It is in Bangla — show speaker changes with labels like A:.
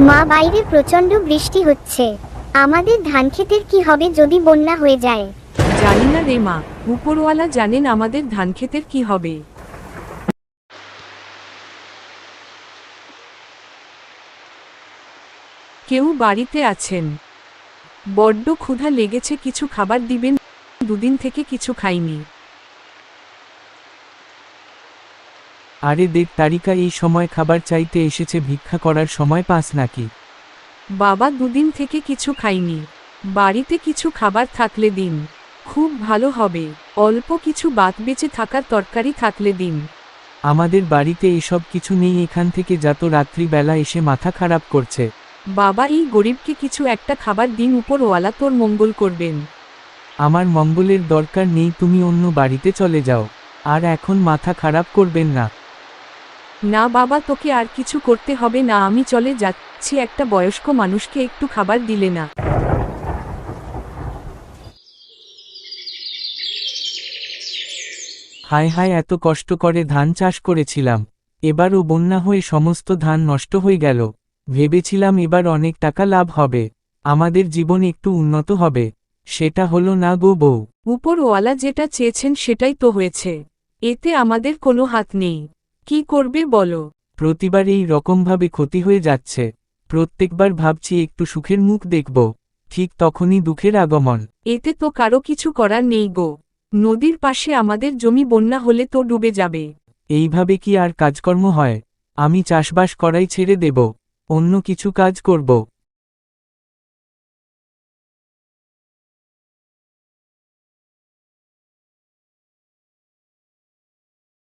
A: মা, বাইরে প্রচন্ড বৃষ্টি হচ্ছে। আমাদের ধান ক্ষেতের কি হবে যদি বন্যা হয়ে যায়?
B: জানি না রে মা, উপরওয়ালা জানেন আমাদের ধানক্ষেতের কি হবে। কেউ বাড়িতে আছেন? বড্ড ক্ষুধা লেগেছে, কিছু খাবার দিবেন? দুদিন থেকে কিছু খাইনি।
C: আরে দেব, তারিকা এই সময় খাবার চাইতে এসেছে? ভিক্ষা করার সময় পাস নাকি?
B: বাবা, দুদিন থেকে কিছু খাইনি। বাড়িতে কিছু খাবার থাকলে দিন, খুব ভালো হবে। অল্প কিছু বাত বেঁচে থাকার তরকারি থাকলে দিন।
C: আমাদের বাড়িতে এসব কিছু নেই, এখান থেকে যা তো, রাত্রিবেলা এসে মাথা খারাপ করছে।
B: বাবা, এই গরিবকে কিছু একটা খাবার দিন, উপরওয়ালা তোর মঙ্গল করবেন।
C: আমার মঙ্গলের দরকার নেই, তুমি অন্য বাড়িতে চলে যাও, আর এখন মাথা খারাপ করবেন না।
B: না বাবা, তোকে আর কিছু করতে হবে না, আমি চলে যাচ্ছি। একটা বয়স্ক মানুষকে একটু খাবার দিলে না?
C: হায় হায়, এত কষ্ট করে ধান চাষ করেছিলাম, এবারও বন্যা হয়ে সমস্ত ধান নষ্ট হয়ে গেল। ভেবেছিলাম এবার অনেক টাকা লাভ হবে, আমাদের জীবন একটু উন্নত হবে, সেটা হলো না গো বউ।
B: উপরওয়ালা যেটা চেয়েছেন সেটাই তো হয়েছে, এতে আমাদের কোনো হাত নেই। কি করবে বলো?
C: প্রতিবার এই রকমভাবে ক্ষতি হয়ে যাচ্ছে, প্রত্যেকবার ভাবছি একটু সুখের মুখ দেখব, ঠিক তখনই দুঃখের আগমন।
B: এতে তো কারো কিছু করার নেই গো। নদীর পাশে আমাদের জমি, বন্যা হলে তো ডুবে যাবে।
C: এইভাবে কি আর কাজকর্ম হয়? আমি চাষবাস করাই ছেড়ে দেব, অন্য কিছু কাজ করব।